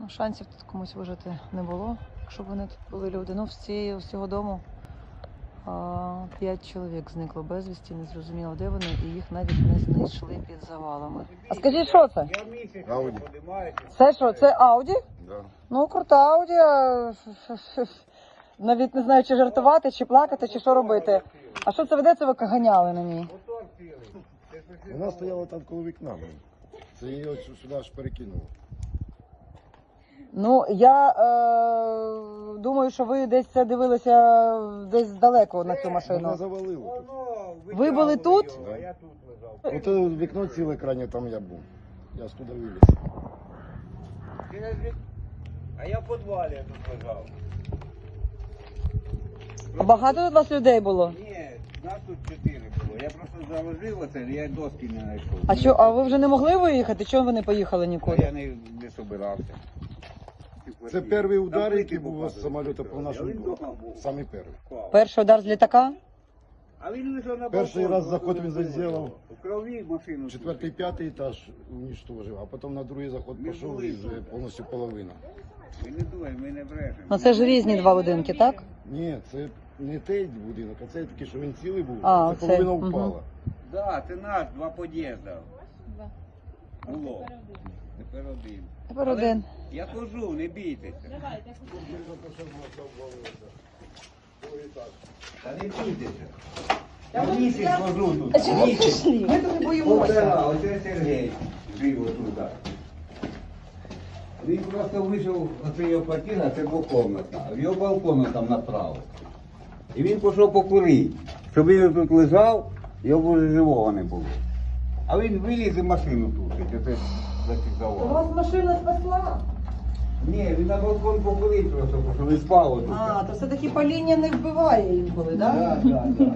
Ну, шансів тут комусь вижити не було, якщо б вони тут були люди. Ну, з цього дому 5 чоловік зникло безвісті, не зрозуміло, де вони, і їх навіть не знайшли під завалами. А скажіть, що це? Ауді. Це що, це Ауді? Да. Ну, крута Ауді. Навіть не знаю, чи жартувати, чи плакати, чи що робити. А що це ведеться, ви ганяли на ній? Вона стояла там коло вікна. Це її ось сюди аж перекинуло. Ну, я думаю, що ви десь це дивилися десь далеко на цю Вона машину. завалило тут. Ви були тут? Да. Я тут лежав. Ото вікно ціле крайнє, там я був. Я з туди виліз. А я в підвалі тут лежав. А багато у вас людей було? Ні, нас тут 4 було. Я просто заложив оце, я доски не знайшов. А ви вже не могли виїхати? Чому ви не поїхали А нікуди? я не собирався. Це перший удар, який був з самоліта по нашому дому. Самий перший. Перший удар з літака? А він лежав на Перший балконі, раз заход він зробив. в крові машину. Четвертий, п'ятий етаж уничтожив, а потім на другий заход пішов і вже повністю половина. Ми не думаємо, ми не брешемо. Ну це ж різні два будинки, так? Ні, це не той будинок, а це такий, що він цілий був, А, це це, половина мгм. впала. Так, це наш, 2 під'їзди. Було. Тепер один. Тепер Але один. Я кажу, не бійтеся. Та не бійтеся. Я місяць хожу тут. А чому прийшли? Ми дуже боїмося. Оце Сергій жив отут. Він просто вийшов, оце його квартира, це двокомнатна, в його балкону там направо. І він пішов покурити. Щоб він тут лежав, його вже живого не було. А він виліз і машину тушить, оце зафіксував. Вас машина спасла? Ні, він на балкон покурив просто, тому що він спав отут. А, то все-таки паління не вбиває інколи, так? Так.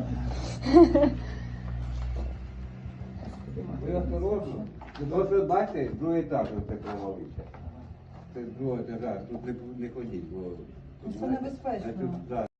Ви осторожно. Ось бачите, другий етаж оце провалився. Це з другого етажа, тут не ходіть, бо... Це небезпечно. Тут, да.